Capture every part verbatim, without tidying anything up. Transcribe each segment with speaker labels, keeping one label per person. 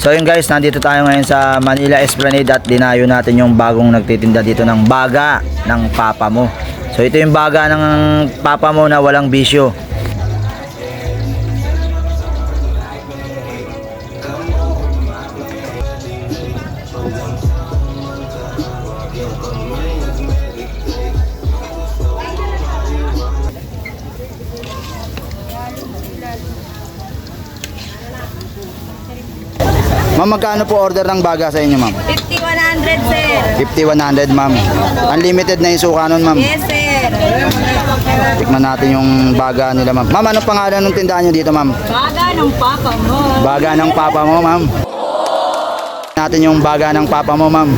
Speaker 1: So yun guys, nandito tayo ngayon sa Manila Esplanade at dinayo natin yung bagong nagtitinda dito ng baga ng papa mo. So ito yung baga ng papa mo na walang bisyo. Ma'am, magkano po order ng baga sa inyo, ma'am?
Speaker 2: fifty one hundred, sir.
Speaker 1: fifty one hundred, ma'am. Unlimited na yung suka nun, ma'am.
Speaker 2: Yes, sir.
Speaker 1: Tikman natin yung baga nila, ma'am. Ma'am, anong pangalan ng tindahan nyo dito, ma'am?
Speaker 2: Baga ng papa mo.
Speaker 1: Baga ng papa mo, ma'am. Natin yung baga ng papa mo, ma'am.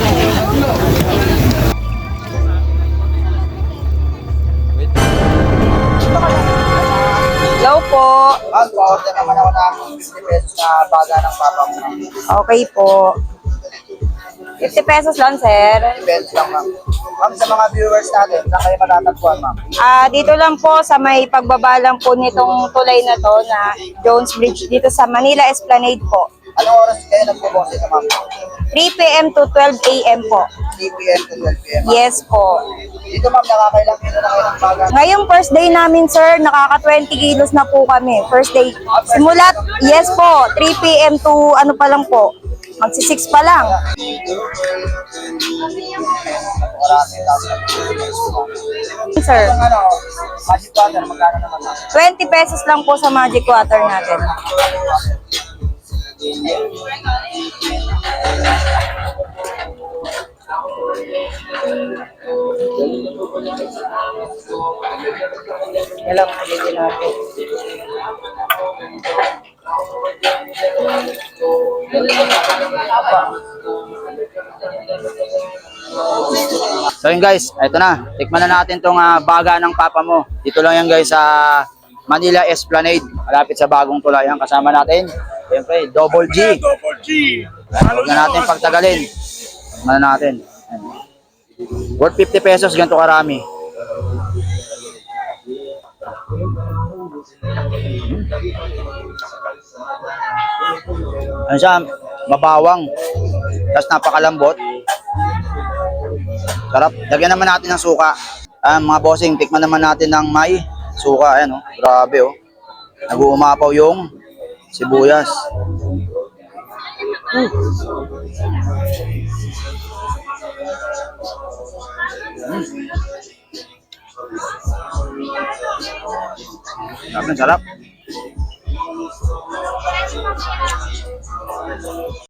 Speaker 2: Hello po.
Speaker 1: Ma'am, pa-order naman ako ng fifty pesos na baga ng papa mo, ma'am.
Speaker 2: Okay po. fifty pesos lang, sir.
Speaker 1: fifty pesos lang, ma'am. Ma'am, sa mga viewers natin, saan kayo matatagpuan, ma'am?
Speaker 2: Ah, dito lang po sa may pagbaba lang po nitong tulay na to na Jones Bridge dito sa Manila Esplanade po.
Speaker 1: Anong oras kayo nagpo-boss ito, ma'am?
Speaker 2: three p m to twelve a m po.
Speaker 1: three p m to twelve p m
Speaker 2: Yes po.
Speaker 1: Dito, ma'am, nakakailang kilo na kayo ng baga?
Speaker 2: Ngayong first day namin, sir, nakaka twenty kilos na po kami. First day. Simulat, yes po, three p m to ano pa lang po. Magsi six pa lang. Sir,
Speaker 1: Ang ano, magic butter, magkano naman, ma'am?
Speaker 2: twenty pesos lang po sa magic water natin. Kailangan ulitin natin.
Speaker 1: So yun guys, ito na. Tikman na natin tong uh, baga ng papa mo. Dito lang yan guys sa Manila Esplanade. Malapit sa bagong tulayan. Kasama natin, siyempre, Double G.
Speaker 3: Double G.
Speaker 1: Huwag na natin pagtagalin. Tikman na natin. Ayan. Worth fifty pesos, ganito karami. Ano siya, mabawang. Tapos napakalambot. Sarap. Lagyan naman natin ng suka. Ah, mga bossing, tikman naman natin ng may suka. Ayan, oh. Grabe, oh. Nag-uumapaw yung sibuyas. Mm. Mm. Sarap, sarap.